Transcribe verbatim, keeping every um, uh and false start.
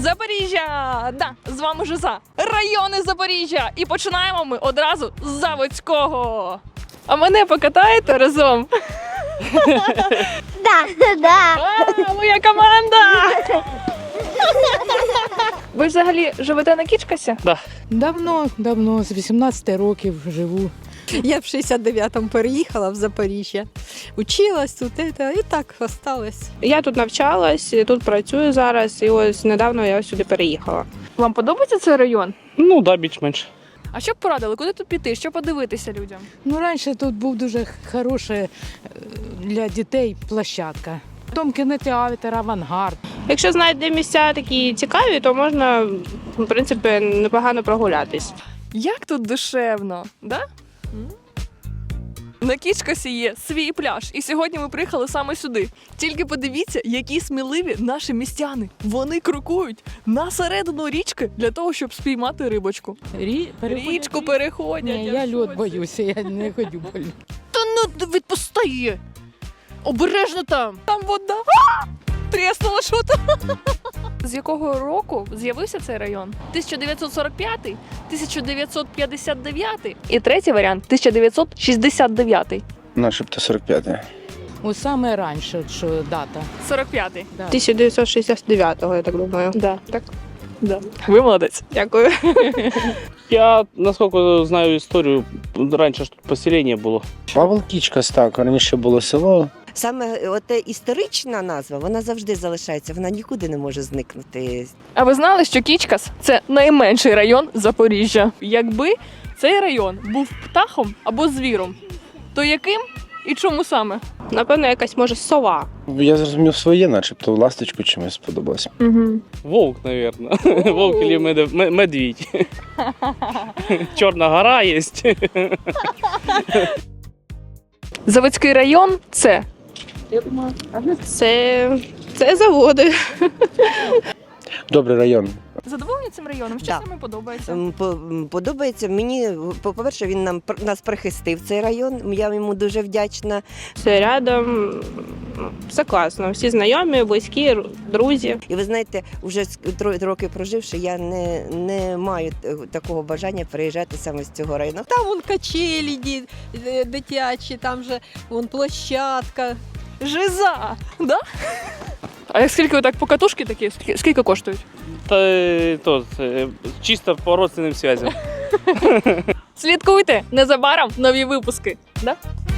Запоріжжя! Да, з вами Жиза. Райони Запоріжжя. І починаємо ми одразу з Заводського. А мене покатаєте разом? Да, да. А, моя команда! Ви взагалі живете на Кічкасі? Да. Давно, давно, з вісімнадцяти років живу. Я в шістдесят дев'ятому переїхала в Запоріжжя. Училась тут і так осталась. Я тут навчалась, тут працюю зараз, і ось недавно я сюди переїхала. Вам подобається цей район? Ну, да, більш-менш. А що б порадили? Куди тут піти? Що подивитися людям? Ну, раніше тут був дуже хороша е, для дітей площадка. Потім кінотеатр, авангард. Якщо знайде місця такі цікаві, то можна, в принципі, непогано прогулятись. Як тут душевно, да? М? На Кічкасі є свій пляж, і сьогодні ми приїхали саме сюди. Тільки подивіться, які сміливі наші містяни. Вони крокують на середину річки для того, щоб спіймати рибочку. Рі... Річку переходять. Ні, я в льод шоці. боюся, я не ходю по льоду. Та ну відпусти! Обережно там! Там вода! А! Тріснула що там? З якого року з'явився цей район? тисяча дев'ятсот сорок п'ятий, тисяча дев'ятсот п'ятдесят дев'ятий і третій варіант тисяча дев'ятсот шістдесят дев'ятий. Начебто сорок п'ятий. Ось саме раніше, що дата. сорок п'ятий. Да. тисяча дев'ятсот шістдесят дев'ятого, я так думаю. Да. Так. Да. Ви молодець. Дякую. Я, наскільки знаю історію, раніше ж тут поселення було. Павел Кічкас, так, раніше було село. Саме оте історична назва, вона завжди залишається, вона нікуди не може зникнути. А ви знали, що Кічкас – це найменший район Запоріжжя? Якби цей район був птахом або звіром, то яким і чому саме? Напевно, якась, може, сова. Я зрозумів своє, начебто ласточку чимось сподобалось. Угу. Вовк, мабуть. Вовк або мед... мед- медвідь. Чорна гора є. Заводський район – це Це, це заводи. Добрий район. задоволені цим районом? Що Да. саме подобається? М, по- м, Подобається мені, по-перше, він нам пр- нас прихистив цей район. Я йому дуже вдячна. Все рядом, все класно. Всі знайомі, близькі, друзі. І ви знаєте, вже три роки проживши, я не, не маю т- такого бажання переїжджати саме з цього району. Там вон качелі ді- е, дитячі, там же вон площадка. Жиза! Да? А як скільки так покатушки такі, скільки, скільки коштують? Та е, то, е, чисто по родственним зв'язям. Слідкуйте, незабаром нові випуски. Да?